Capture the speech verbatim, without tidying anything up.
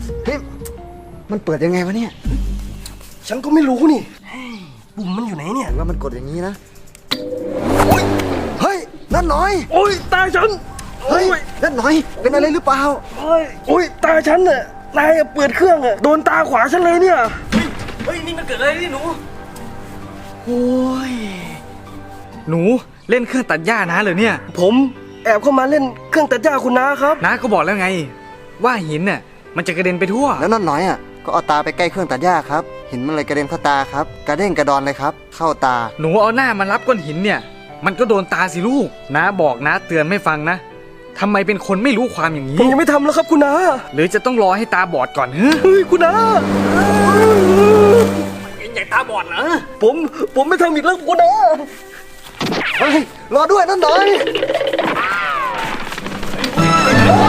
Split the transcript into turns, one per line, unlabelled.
เฮ้ยมันเปิดยังไงวะเนี่ย
ฉันก็ไม่รู้นี่ปุ่มมันอยู่ไหนเนี่ย
ว่ามันกดอย่างนี้นะเฮ้ยนั่นหน่อย
โอ้ยตาฉัน
เฮ้ยนั่นหน่อยเป็นอะไรหรือเปล่า
โอ้ยโอ้ยตาฉันน่ะนายเปิดเครื่องอ่ะโดนตาขวาฉันเลยเนี่ยเฮ้ยเฮ้ยนี่มันเกิดอะไรนี่หนู
โอ้ยหนูเล่นเครื่องตัดหญ้านะเหรอเนี่ย
ผมแอบเข้ามาเล่นเครื่องตัดหญ้าคุณน้าครับ
น้าก็บอกแล้วไงว่าหินน่ะมันจะกระเด็นไปทั่ว
แล้วนั่นหน่อยอ่ะก็เอาตาไปใกล้เครื่องตัดหญ้าครับหินมันเลยกระเด็นเข้าตาครับกระเด้งกระดอนเลยครับเข้าตา
หนูเอาหน้ามันรับก้อนหินเนี่ยมันก็โดนตาสิลูกน้าบอกน้าเตือนไม่ฟังนะทำไมเป็นคนไม่รู้ความอย่างนี้
ผมยังไม่ทำแล้วครับคุณน้า
หรือจะต้องรอให้ตาบอดก่อน
เฮ้ยคุณน้า
ใหญ่ตาบอดเหรอ
ผมผมไม่ทำอีกแล้วคุณน้า
เฮ้ยรอด้วยนั่นหน่อย